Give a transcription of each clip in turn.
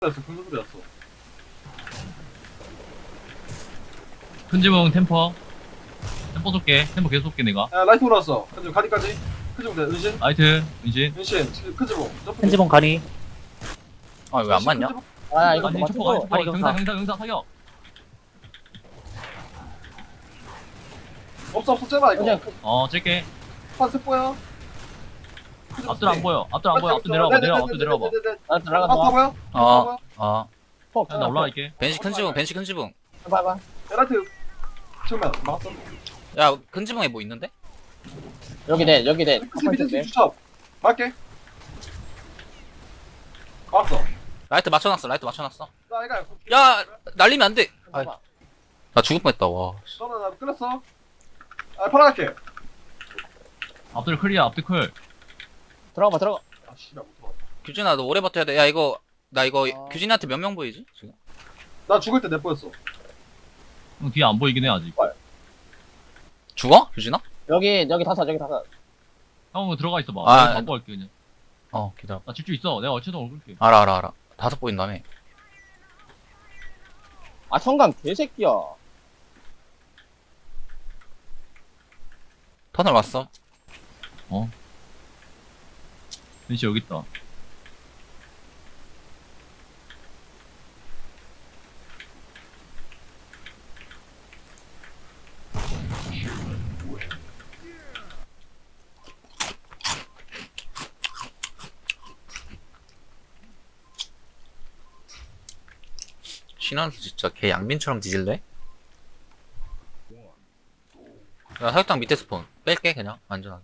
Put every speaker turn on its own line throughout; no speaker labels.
큰 소리였어.
큰 지붕 템퍼 쏠게. 템퍼 계속 쏠게 내가.
야, 라이트 올라왔어. 큰지붕 가디까지. 큰지붕 돼. 은신.
라이트 은신.
은신. 큰지붕. 점프.
편지봉 가니.
아 왜 안 맞냐?
큰지붕.
아 이거
아니
맞춰.
초포가
아니
경사
경사.
경사 사격.
없어 째봐 이거.
어 찔게.
판세 보여.
앞들 안 보여. 앞들 안 보여. 앞들 내려와봐. 앞들 내려와봐.
나
아,
들어간다.
보여?
아
폭.
나 올라갈게.
벤시 큰 지붕 벤시 큰 지붕.
봐봐.
야, 라이트. 정면 막았어.
야 큰 지붕에 뭐 있는데?
여기 돼 여기 돼.
밑에 주첩. 맞게. 막았어.
라이트 맞춰놨어 라이트 맞춰놨어.
나 이거.
야 날리면 안돼.
봐봐.
나 죽을 뻔했다 와.
너는 나 끊었어. 아, 팔아갈게.
앞들 클이야. 앞들 클.
들어가 봐 들어가.
아, 씨발 못 들어갔다.
규진아 너 오래 버텨야 돼. 야 이거 나 이거
아.
규진이한테 몇 명 보이지 지금?
나 죽을 때 내 보였어.
형 뒤에 안 보이긴 해 아직.
죽어? 규진아?
여기 다섯 여기 다섯.
형 들어가 있어봐.
아,
내가 바꿔 갈게 그냥.
어 기다려.
나 질주 있어. 내가 어쨌든 올게.
알아. 다섯 보인다며.
아 성강 개새끼야.
터널 왔어.
벤시 여기 있다.
신원수 진짜 걔 양빈처럼 뒤질래? 야 사육장 밑에 스폰 뺄게 그냥 안전하게.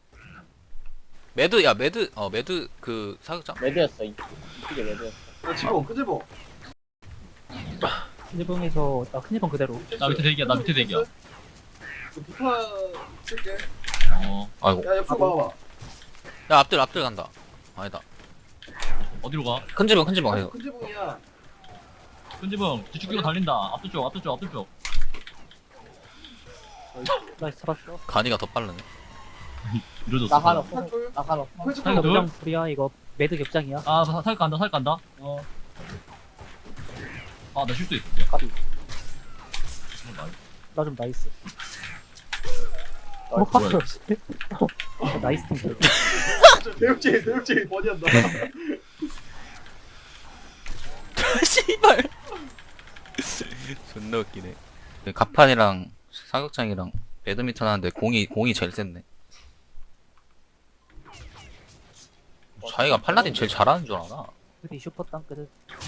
매드 매드 그 사육장?
레드였어 이게 레드였어.
야, 지붕. 큰지붕.
큰지봉에서 큰지봉 그대로.
나 밑에 대기야. 나 밑에 대기야.
부터 쓸게.
어
아이고.
야, 옆으로 막아봐.
야 앞들 간다. 아니다.
어디로 가?
큰 지붕 이거.
큰지붕이야.
큰 지붕 뒤축 끼고 달린다. 앞들 쪽.
나이스 잡았어.
간이가 더 빠르네.
이러졌어.
나 하나
한 줄.
나 하나.
큰지붕.
하나 둘.
그냥 불이야 이거 매드 격장이야.
아 살 간다. 어. 아 나 실수했어.
까비. 나 좀 나이스. 나이스 팀.
대육지 버디한다.
씨발. 존나 웃기네. 가판이랑 사격장이랑 배드민턴 하는데 공이 제일 센네. 자기가 팔라딘 제일 잘하는 줄 알아.
그디 슈퍼 땅크들.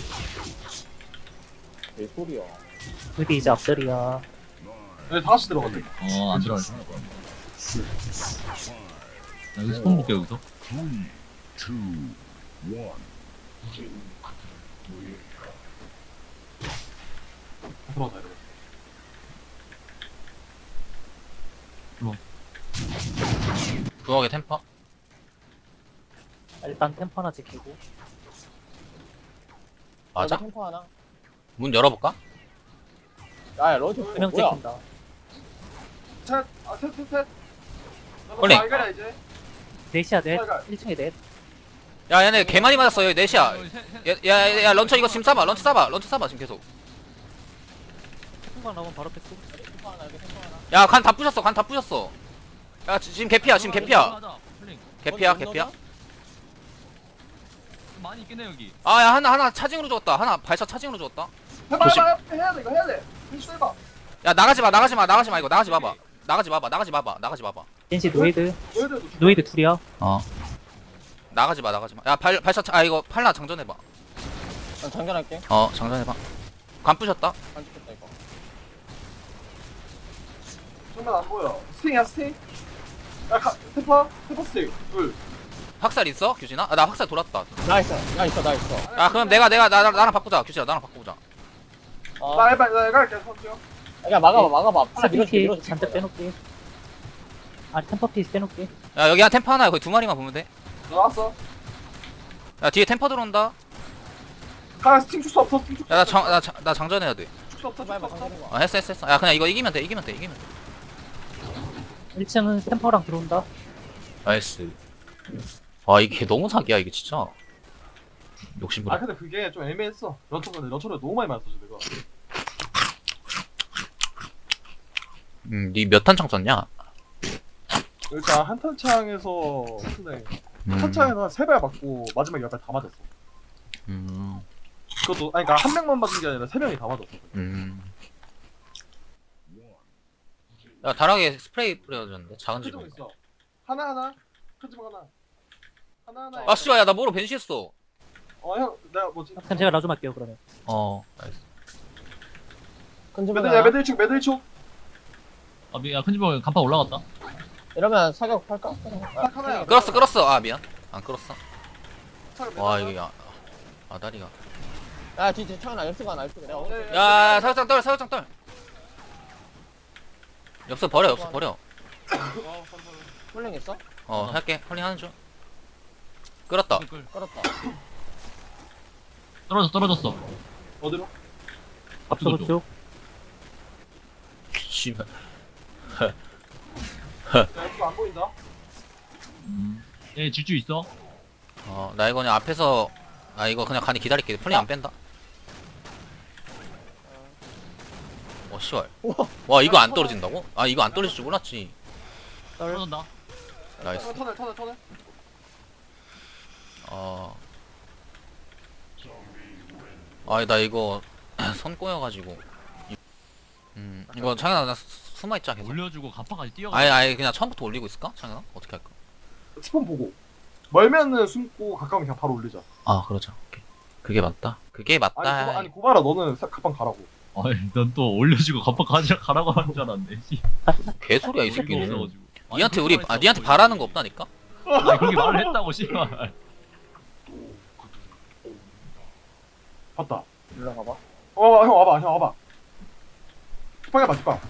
왜 소리야? 그디 이제 앞들이야.
네, 다 같이 들어갔네.
어안 들어갈 거야. 나 여기 스폰 볼게 여기서.
들어가자, 이러고.
부엌에 템퍼?
일단 템퍼 하나 지키고.
맞아?
템퍼 하나.
문 열어볼까?
야 로즈 두명 찍힌다.
셋. 셋.
홀링.
알가라, 이제.
넷이야 넷.
빨간.
1층에 넷.
야 얘네 개 많이 맞았어 여기 넷이야. 야 런처 이거 지금 런처 쏴봐 지금 계속.
태풍방 나오면 바로 패스. 템퍼 하나 여기 템퍼 하나.
야 간 다 부셨어. 야 지금 개피야. 개피야.
많이 있긴 해 여기.
아 야 하나 차징으로 죽었다. 하나 발사 차징으로 죽었다.
해봐,
조심.
해야 돼, 이거 해야 돼. 필수 해봐.
야 나가지 마 이거 나가지 봐봐.
NC 노이드.
너희들도
노이드 둘이야.
어. 나가지 마. 야 발사 이거 팔라 장전해봐.
난 장전할게.
어 장전해봐. 관 부셨다.
안 죽겠다 이거.
정말 안 보여. 스팅이야, 스팅. 야, 테퍼 스팅. 둘.
확살 있어 규진아? 아, 나 확살 돌았다.
나 있어.
야 그럼 나랑 바꾸자 규진아 나랑 바꾸자.
나 해봐, 나 갈게, 선수요.
야 막아봐. 스피피 잔뜩 빼놓게. 아니 템퍼 피스 빼놓게.
야 여기 한 템퍼 하나 거의 두 마리만 보면 돼.
나왔어.
야 뒤에 템퍼 들어온다.
가, 스팅 줄 수 없어, 스팅 줄 수
야
없어.
나 장전해야 돼.
줄 수 없어, 줄 수 없어.
아 했어. 야 그냥 이거 이기면 돼.
1층은 템퍼랑 들어온다.
나이스. 아 이게 너무 사기야 이게 진짜.
욕심부려.
아 근데 그게 좀 애매했어. 런처를 너무 많이 맞았어 내가.
니 몇 탄창 썼냐?
일단 한 탄창에서 근데
음.
탄창에서 한 3발 맞고 마지막에 10발 다 맞았어. 그것도 아니 그러니까 한 명만 맞은 게 아니라 3명이 다 맞았어.
야, 다락에 스프레이 뿌려줬는데 작은
큰 지붕
집은.
있어. 하나 큰 지붕 하나.
아 씨발, 야, 나 뭐로 변시했어.
형 내가 뭐지?
그럼 제가 라좀 할게요 그러면.
나이스.
매들축.
야, 큰 집은 간판 올라갔다.
이러면 사격 할까?
딱 하나야.
끌었어. 아, 미안. 안 끌었어. 와, 이게 아다리가.
야, 뒤 창현아, 열수가 나, 열수가. 내가 오늘
야, 사격장 떨. 엽서 버려.
훌륭 있어?
할게. 헐링 하는 중. 끌었다.
끌었다.
떨어졌어.
어디로?
앞서로 쭉.
씨발.
야 이거 안 보인다.
얘 질주 있어.
나 이거 그냥 앞에서, 이거 그냥 간이 기다릴게. 폴링 안 뺀다. 씨발. 와, 이거 안 떨어진다고? 이거 안 떨어질 줄 몰랐지.
떨어진다.
나이스.
터널.
나 이거 손 꼬여가지고. 이거 창현아, 나 숨어있자 계속.
올려주고 간판까지 뛰어가.
아예 그냥 처음부터 올리고 있을까? 창현아? 어떻게 할까?
스폰 보고. 멀면은 숨고 가까우면 그냥 바로 올리자.
그러자. 오케이. 그게 맞다.
아니 고바라 너는 가방 가라고.
넌 또 올려주고 간판 가라고 하는 줄 알았네. 씨.
개소리야 이
이거
새끼는.
없어가지고.
니한테
그렇게
니한테
말했다고,
바라는 거 없다니까?
아니, 그렇게 말을 했다고 씨발.
봤다.
올라가봐.
형 와봐. 뒷방에 봐 뒷방.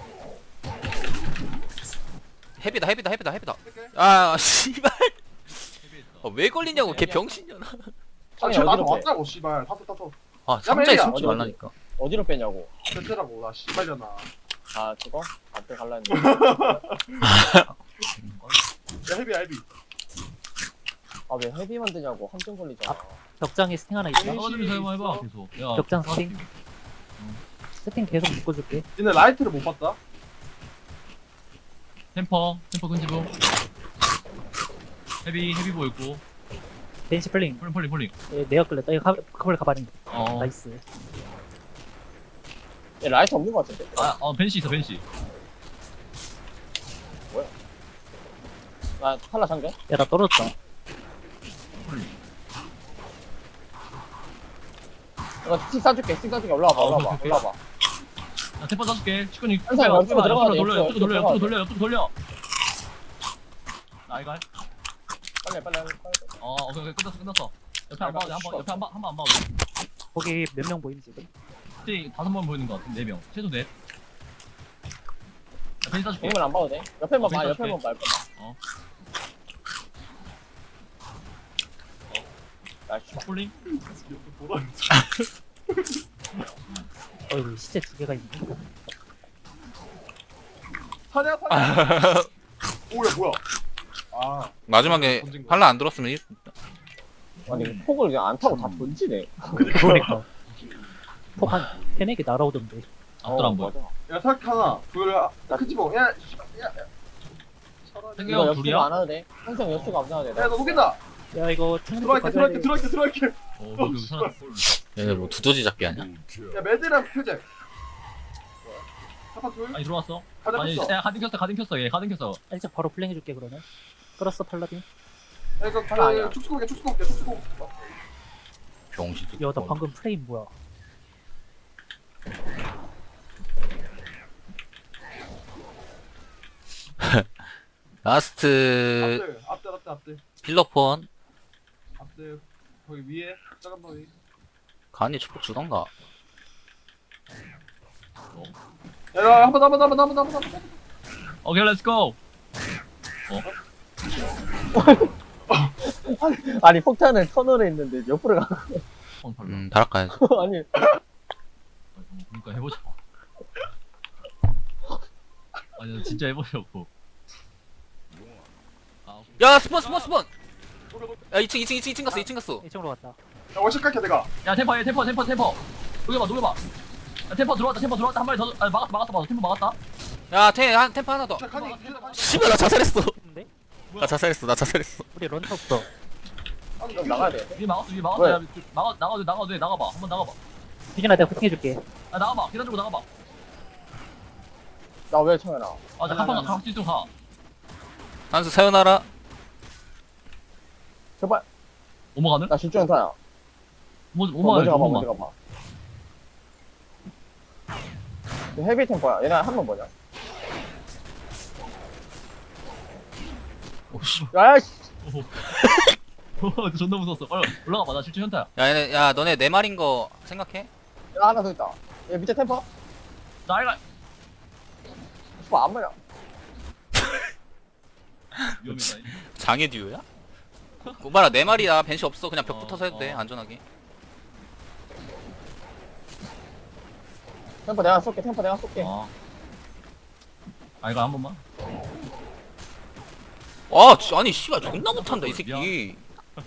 헤비다. 씨발. 왜 걸리냐고 걔 병신년아.
창현이
나도
어디로 빼?
왔다고 씨발. 탔어.
상자에
야,
숨지
어디,
말라니까.
어디로 빼냐고.
됐더라고 나 씨발려나.
저거? 앞에 갈라 했는데.
야 헤비.
왜 헤비 만드냐고. 함정 걸리잖아.
벽장에 스팅 하나 있다.
떨어지면서 해봐 계속. 야,
벽장 스팅. 세팅 계속 묶어줄게.
니네 라이트를 못 봤다?
템퍼 큰 집은. 헤비 보였고.
벤시 플링.
폴링.
얘 내가 끌렸다. 이거 그걸 가발인.
어.
나이스.
얘 라이트 없는 거 같은데?
벤시 있어 벤시.
나 탈라 상대?
야 나 떨어졌다.
이거 스틱 싸줄게. 올라와봐.
오케이. 야, 템퍼 쏴줄게. 치kun이
항상 옆으로 들어가야 돼,
옆으로
옆으로
돌려. 나 이거 할.
빨리.
오케이 끝났어. 옆에 안 봐도 돼. 한번 안 봐도 돼.
거기 몇 명 보임 지금?
스팅 5번 보이는 거 같은데 4명. 최소 넷. 벤시 쏴줄게.
공을 안 봐도 돼? 옆에만 봐.
왼쪽
옆에만 봐. 나이스.
폴링.
어이 시체 2개가 있네.
사냐? 오야 뭐야?
마지막에
던진 거.
팔라 안 들었으면
아니 폭을 그냥 안 타고 다 던지네.
그러니까. 폭한 3-4개 날아오던데.
앞들 안 보여.
맞아.
야 삭 하나 둘큰 지붕. 야.
생겨.
이거
둘이야?
역수가 안 하도 돼. 항상 역수가 안 나와도 돼.
야너 녹인다.
야 이거 창문 가져야 돼.
들어갈게.
거기 사람.
얘네 뭐 두더지 잡기 아니야?
야 매드랑 표제. 하파 둘.
아니 들어왔어.
가자
아니
폈어.
야 가든 켰어. 얘 가든 켰어.
살짝 바로 플랭 해줄게 그러면. 끌었어 팔라딘.
야 이거
하나 아니야.
축소공개.
병신.
야 나 방금 프레임 뭐야?
라스트
앞들.
필러폰
앞들. 거기 위에 작은 바위.
간이 축복 주던가.
야 한번
오케이 렛츠고.
아니 폭탄을 터널에 있는데 옆으로 가.
다락 가야지.
아니
그러니까 해보자. 아니 나 진짜 해보려고.
야 스폰. 야 2층 갔어.
1층으로 갔다.
월샷 갈게 내가.
야 템퍼 얘 템퍼 녹여봐 야 템퍼 들어왔다 한 마리 더 막았어 템퍼 막았다
야 템포 하나 더.
자 칸이.
씨발 나 자살했어.
근데
나 자살했어.
우리 런처 없어.
그럼 나가야 돼.
위에 막았어
왜?
야 나가도 돼 나가봐 한번 나가봐
유진아 내가 부팅해줄게.
야 나가봐 계단 쪽으로 나가봐
나 왜 청해나?
아나 한판 갈수 있으면 가
한수 사요나라.
제발.
오버가는?
나 실주연타야.
오버가는
먼저 가봐,
오버만
먼저 가봐. 헤비 템포야. 얘네 한 번 뭐냐?
오씨
야, 씨.
존나 무서웠어 빨리 올라가봐 나 실제 현타야
야 너네 네 마리인 거 생각해?
야, 하나 더 있다. 얘 밑에 템포?
나 알가
슈퍼 안 맞냐?
위험했다
장애 듀오야? 고바라 네 마리야. 벤시 없어. 그냥 벽 붙어서 해도 돼. 안전하게.
템포 내가 쏠게, 템포 내가 쏠게.
알가 한 번만
아니 씨발 존나 못한다 이 새끼.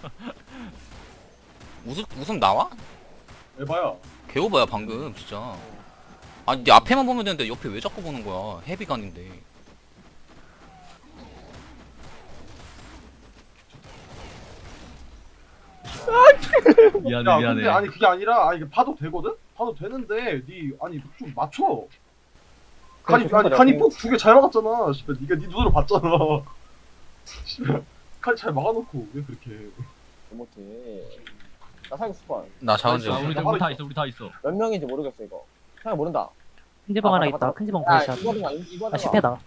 웃음 나와?
에바야.
개오바야 방금 진짜. 아니 네 앞에만 보면 되는데 옆에 왜 자꾸 보는 거야? 헤비간인데.
미안해
야 근데 아니 그게 아니라 아니 이게 봐도 되거든? 봐도 되는데 니 아니 좀 맞춰. 칸이 폭 두 개 잘 막았잖아. 씨발 니가 니 눈으로 봤잖아. 씨발 칸이 잘 막아놓고 왜 그렇게?
못해. 나 사기 슈퍼.
나 자원제.
우리 다 있어
몇 명인지 모르겠어, 이거. 사기 모른다.
큰 지방
아,
하나
맞다,
있다.
맞다.
큰 지방
야,
발샷.
이거
아 실패다.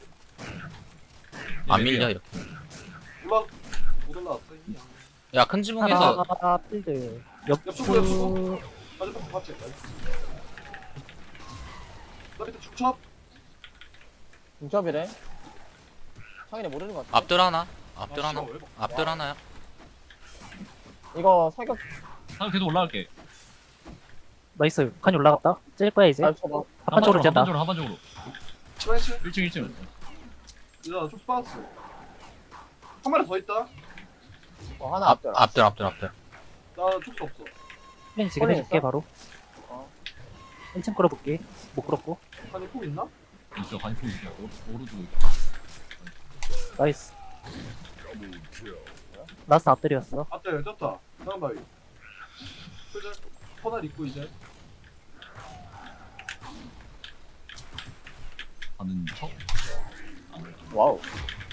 안 밀려 이렇게.
올라 못 올라왔어.
야 큰 지붕에서
하나 필드.
옆쪽으로,
옆수.
빠졌다 봤지? 나 밑에 축첩.
중첩이래. 상인이 모르는 것 같아.
앞들 하나. 앞들 하나.
씨발, 왜 막-
앞들 하나야.
이거 사격
상 계속 올라갈게
나이스. 칸이 올라갔다. 찔 거야 이제.
잘 쳐봐.
한쪽으로 짠다.
한반쪽으로
스매시.
1층
야, 쭉 빠졌어. 한 마리 더 있다.
하나 앞들.
앞들.
나 촉수 없어.
펜 지금
폰에
해줄게
있어?
바로.
어.
1층 끌어볼게. 못 끌었고.
칸이 폭 있나?
있어 간이 있어 오른쪽에
나이스. 라스트 앞들이었어.
앞에 떴다. 다음 바위. 그죠? 터널 있고 이제.
가는 척
와우.